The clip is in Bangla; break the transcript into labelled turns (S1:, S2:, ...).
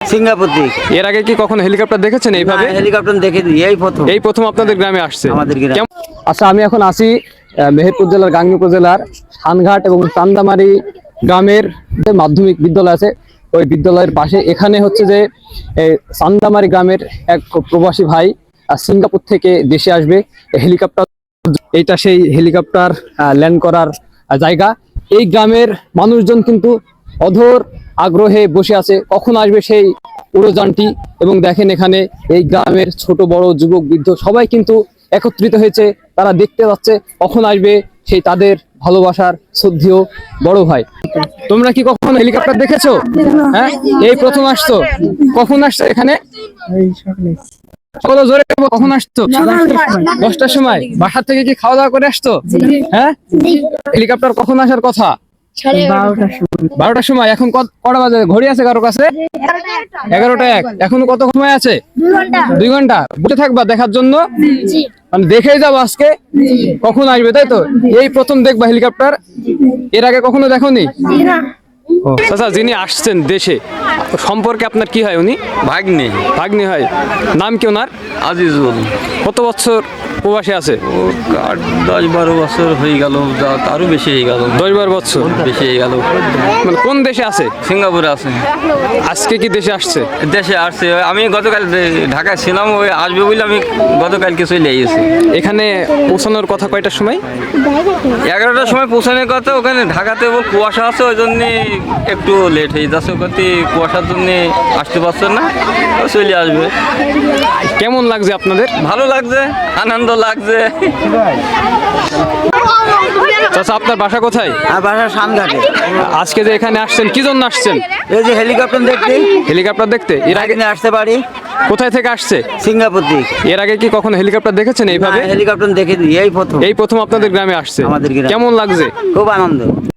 S1: সিঙ্গাপুর থেকে।
S2: এর আগে কি কখনো হেলিকপ্টার দেখেছেন এইভাবে?
S1: হেলিকপ্টার দেখে দিই,
S2: এই প্রথম আপনাদের গ্রামে আসছে।
S1: আমাদের গ্রামে।
S2: আচ্ছা, আমি এখন আছি মেহেরপুর জেলার গাংনী উপজেলার থানঘাট এবং চান্দামারি গ্রামের যে মাধ্যমিক বিদ্যালয় আছে ওই বিদ্যালয়ের পাশে। এখানে হচ্ছে যে চান্দামারি গ্রামের এক প্রবাসী ভাই সিঙ্গাপুর থেকে দেশে আসবে হেলিকপ্টার। এইটা সেই হেলিকপ্টার ল্যান্ড করার জায়গা। এই গ্রামের মানুষজন কিন্তু অধর আগ্রহে বসে আছে কখন আসবে সেই উড়োযানটি। এবং দেখেন এখানে এই গ্রামের ছোট বড় যুবক বৃদ্ধ সবাই কিন্তু একত্রিত হয়েছে, তারা দেখতে যাচ্ছে কখন আসবে সেই তাদের ভালোবাসার শ্রদ্ধেয় বড় ভাই। তোমরা কি কখনো হেলিকপ্টার দেখেছো? হ্যাঁ, এই প্রথম আসছো? কখন আসছো এখানে? সকালে জোরে কখন আসছো? 10টার সময়। বাসা থেকে কি খাওয়া দাওয়া করে আসছো? হ্যাঁ। হেলিকপ্টার কখন আসার কথা? 12টার সময়। এখন কটা বাজে? ঘড়ি আছে কারো কাছে? 11টা 1। এখনো কত সময় আছে? 2 ঘন্টা বসে থাকবা দেখার জন্য? মানে দেখেই যাবো আজকে কখন আসবে, তাই তো? এই প্রথম দেখবা হেলিকপ্টার? এর আগে কখনো দেখোনি? আচ্ছা, যিনি আসছেন দেশে সম্পর্কে আপনার কি হয়? উনি
S3: ভাগ্নে।
S2: ভাগ্নি হয়। নাম কি ওনার?
S3: আজিজুল।
S2: কত বছর প্রবাসে আছে?
S3: ও 10-12 বছর হয়ে গেল, আরো বেশি হয়ে গেল।
S2: 10-12 বছর
S3: বেশি হয়ে গেল।
S2: মানে কোন দেশে আছে?
S3: সিঙ্গাপুরে আছে।
S2: আজকে কি দেশে আসছে?
S3: দেশে আসছে। আমি গতকাল ঢাকায় ছিলাম, ওই আসবে বলে আমি গতকালকে চলে এসেছি।
S2: এখানে পৌঁছানোর কথা কয়টার সময়?
S3: 11টার সময় পৌঁছানোর কথা। ওখানে ঢাকাতে কুয়াশা আছে, ওই জন্যে একটু লেট হয়ে যাচ্ছে। ওখানে কুয়াশার জন্যে আসতে পারছে না, চলে আসবে।
S2: কেমন লাগছে আপনাদের?
S3: ভালো লাগছে, আনন্দ লাগছে।
S2: চাচা, আপনার বাসা কোথায়?
S1: আর বাসা সানঘাটে।
S2: আজকে যে এখানে আসছেন কি জন্য আসছেন?
S1: এই যে হেলিকপ্টার দেখতে।
S2: হেলিকপ্টার দেখতে? এর আগে
S1: আসতে পারি।
S2: কোথায় থেকে আসছে?
S1: সিঙ্গাপুর থেকে।
S2: এর আগে কি কখনো হেলিকপ্টার দেখেছেন এইভাবে?
S1: হেলিকপ্টার দেখে দিই,
S2: এই প্রথম আপনাদের গ্রামে আসছে।
S1: আমাদের গ্রামে।
S2: কেমন লাগছে?
S1: খুব আনন্দ।